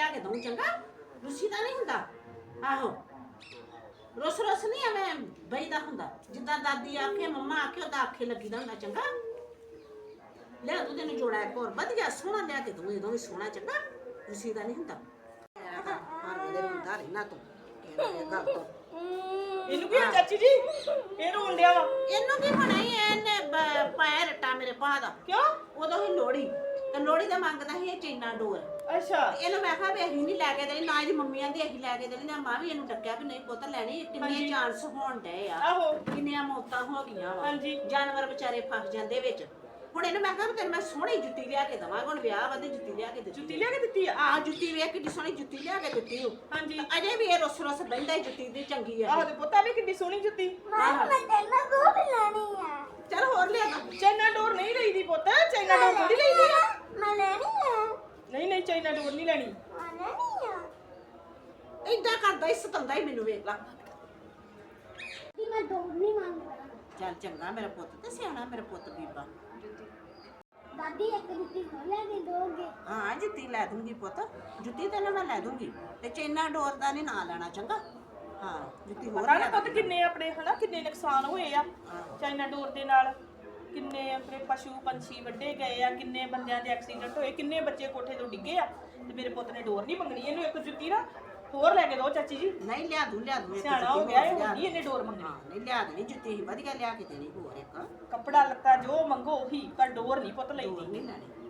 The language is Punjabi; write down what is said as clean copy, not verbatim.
ਲਿਆ ਕੇ ਦਊਂ ਚੰਗਾ ਰੁੱਸੀ ਦਾ ਨਹੀਂ ਹੁੰਦਾ ਆਹੋ ਰੁੱਸ ਨਹੀਂ ਐਵੇਂ ਬਈਦਾ ਹੁੰਦਾ ਜਿੱਦਾਂ ਦਾਦੀ ਆਖੇ ਮੰਮਾ ਆਖੇ ਉਹਦਾ ਆਖੇ ਲੱਗੀਦਾ ਹੁੰਦਾ ਚੰਗਾ ਲਿਆ ਤੂੰ ਤੈਨੂੰ ਜੋੜਾ ਇੱਕ ਹੋਰ ਵਧੀਆ ਸੋਹਣਾ ਲਿਆ ਕੇ ਦਊਂ ਇਹਦੋਂ ਵੀ ਸੋਹਣਾ ਚੰਗਾ ਰੁੱਸੀ ਦਾ ਨਹੀਂ ਹੁੰਦਾ ਹਰ ਵੇਲੇ ਹੁੰਦਾ ਰਹਿਣਾ ਤੂੰ ਇਹ ਗੱਲ ਤੋਂ ਇਹਨੂੰ ਕੀ ਚਾਚੀ ਜੀ ਇਹ ਰੋਣ ਡਿਆ ਵਾ ਇਹਨੂੰ ਕੀ ਹੋਣਾ ਹੀ ਇਹਨੇ ਪਾਇਆ ਰੱਟਾ ਮੇਰੇ ਭਾ ਦਾ ਕਿਉਂ ਉਦੋਂ ਹੀ ਲੋੜੀ ਤੇ ਲੋੜੀ ਦਾ ਮੰਗਦਾ ਸੀ ਇਹ ਚੈਨਾ ਡੋਰ ਅੱਛਾ ਇਹਨੂੰ ਮੈਂ ਕਿਹਾ ਵੀ ਅਸੀਂ ਨਹੀਂ ਲੈ ਕੇ ਦੇਣੀ ਨਾ ਇਹਦੀ ਮੰਮੀਆਂ ਦੀ ਅਸੀਂ ਲੈ ਕੇ ਦੇਣੀ ਨਾ ਮਾਂ ਵੀ ਇਹਨੂੰ ਡੱਕਿਆ ਵੀ ਨਹੀਂ ਪੁੱਤ ਲੈਣੀ ਕਿੰਨੇ ਚਾਂਸ ਹੋਣ ਡਏ ਆ ਆਹੋ ਕਿੰਨੀਆਂ ਮੌਤਾਂ ਹੋ ਗਈਆਂ ਵਾ ਹਾਂਜੀ ਜਾਨਵਰ ਵਿਚਾਰੇ ਫਸ ਜਾਂਦੇ ਵਿੱਚ ਹੁਣ ਇਹਨੂੰ ਮੈਂ ਕਿਹਾ ਵੀ ਤੈਨੂੰ ਮੈਂ ਸੋਹਣੀ ਜੁੱਤੀ ਲਿਆ ਕੇ ਦਵਾਂਗਾ ਹੁਣ ਵਿਆਹ ਵਾਦੇ ਜੁੱਤੀ ਲਿਆ ਕੇ ਦਿੱਤੀ ਜੁੱਤੀ ਲਿਆ ਕੇ ਦਿੱਤੀ ਆ ਆਹ ਜੁੱਤੀ ਵੇਖ ਕਿੰਨੀ ਸੋਹਣੀ ਜੁੱਤੀ ਲਿਆ ਕੇ ਦਿੱਤੀ ਉਹ ਹਾਂਜੀ ਅਜੇ ਵੀ ਇਹ ਰੁੱਸ ਬਹਿੰਦਾ ਹੀ ਜੁੱਤੀ ਦੀ ਚੰਗੀ ਆ ਆਹ ਤੇ ਪੁੱਤਾ ਵੀ ਕਿੰਨੀ ਸੋਹਣੀ ਜੁੱਤੀ ਚੱਲ ਹੋਰ ਲਿਆ ਦੋ ਚਾਈਨਾ ਡੋਰ ਨਹੀਂ ਲਈਦੀ ਪੁੱਤ ਚਾਈਨਾ ਡੋਰ ਥੋੜੀ ਲਈਦੀ ਆ ਨਹੀਂ ਨਹੀਂ ਚਾਈਨਾ ਡੋਰ ਨਹੀਂ ਲੈਣੀ ਏਦਾਂ ਕਰਦਾ ਹੀ ਸਤਾਉਂਦਾ ਹੀ ਮੈਨੂੰ ਵੇਖ ਲਾ ਚੱਲ ਚੰਗਾ ਮੇਰਾ ਪੁੱਤ ਤੇ ਸਿਆਣਾ ਮੇਰਾ ਪੁੱਤ ਬੀਬਾ ਦਾਦੀ ਇੱਕ ਜੁੱਤੀ ਹੋਰ ਲੈ ਕੇ ਦੋਗੇ ਹਾਂ ਜੁੱਤੀ ਲੈ ਦੂੰਗੀ ਪੁੱਤ ਜੁੱਤੀ ਤੈਨੂੰ ਮੈਂ ਲੈ ਦੂੰਗੀ ਤੇ ਚੈਨਾ ਡੋਰ ਦਾ ਨਹੀਂ ਨਾਂ ਲੈਣਾ ਚੰਗਾ ਹਾਂ ਜੁੱਤੀ ਹੋਰ ਪਤਾ ਲੈ ਨਾ ਪੁੱਤ ਕਿੰਨੇ ਆਪਣੇ ਹਨਾ ਕਿੰਨੇ ਨੁਕਸਾਨ ਹੋਏ ਆ ਚਾਈਨਾ ਡੋਰ ਦੇ ਨਾਲ ਕਿੰਨੇ ਆਪਣੇ ਪਸ਼ੂ ਪੰਛੀ ਵੱਢੇ ਗਏ ਆ ਕਿੰਨੇ ਬੰਦਿਆਂ ਦੇ ਐਕਸੀਡੈਂਟ ਹੋਏ ਕਿੰਨੇ ਬੱਚੇ ਕੋਠੇ ਤੋਂ ਡਿੱਗੇ ਆ ਤੇ ਮੇਰੇ ਪੁੱਤ ਨੇ ਡੋਰ ਨਹੀਂ ਮੰਗਣੀ ਇਹਨੂੰ ਇੱਕ ਜੁੱਤੀ ਨਾ ਹੋਰ ਲੈ ਕੇ ਦਿਓ ਚਾਚੀ ਜੀ ਨਹੀਂ ਲਿਆ ਦੂੰ ਇੱਕ ਸਿਆਣਾ ਹੋ ਗਿਆ ਇਹ ਹੁੰਦੀ ਇਹਨੇ ਡੋਰ ਮੰਗਣੀ ਹਾਂ ਨਹੀਂ ਲਿਆ ਦੇਣੀ ਜੁੱਤੀ ਹੀ ਵਧੀਆ ਲਿਆ ਕੇ ਦੇਣੀ ਹੋਰ ਇੱਕ ਕੱਪੜਾ ਲੱਤਾ ਜੋ ਮੰਗੋ ਉਹੀ ਪਰ ਡੋਰ ਨਹੀਂ ਪੁੱਤ ਡੋਰ ਲਈਦੀ ਨਹੀਂ ਲੈਣੀ